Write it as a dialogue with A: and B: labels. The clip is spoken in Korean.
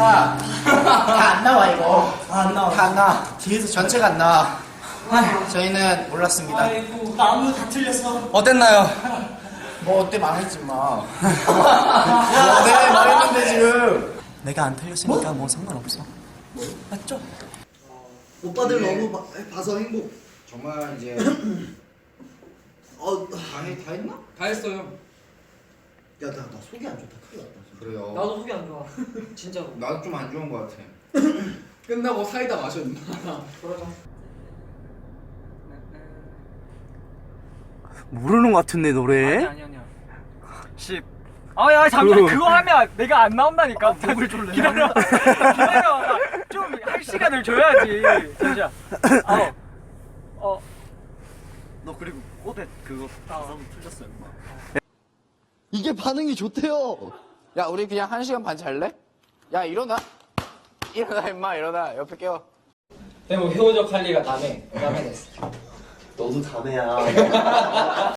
A: 다 안 나와 이거.
B: 안 나와.
A: 다 안 나와. 뒤에서 전체가 안 나와. 저희는 몰랐습니다.
B: 아이고, 나무 다 틀렸어.
C: 어땠나요?
A: 뭐 어때 망했지 마. 내가 말했는데 지금.
C: 내가 안 틀렸으니까 뭐 상관없어. 맞죠?
D: 오빠들 너무 봐서 행복.
A: 정말 이제 다 했나?
E: 다 했어요.
D: 야, 나 속이 안 좋다. 큰일 났다.
A: 그래요.
B: 나도 속이 안 좋아. 진짜로.
A: 나도 좀 안 좋은 것 같아.
E: 끝나고 사이다 마셨나?
B: 그러자.
C: 모르는 것 같은데 노래?
B: 아니야. 10. 아야 잠깐 그거 하면 내가 안 나온다니까.
C: 목을 졸래.
B: 기다려. 좀 할 시간을 줘야지. 진짜.
C: 너 그리고 꽃에 그거 가서 틀렸어 임마.
D: 이게 반응이 좋대요.
A: 야 우리 그냥 1시간 반 잘래? 야 일어나. 일어나 임마 일어나. 옆에 깨워.
B: 그리고 효적 할 리가 남해 됐어.
C: 너도 담해야.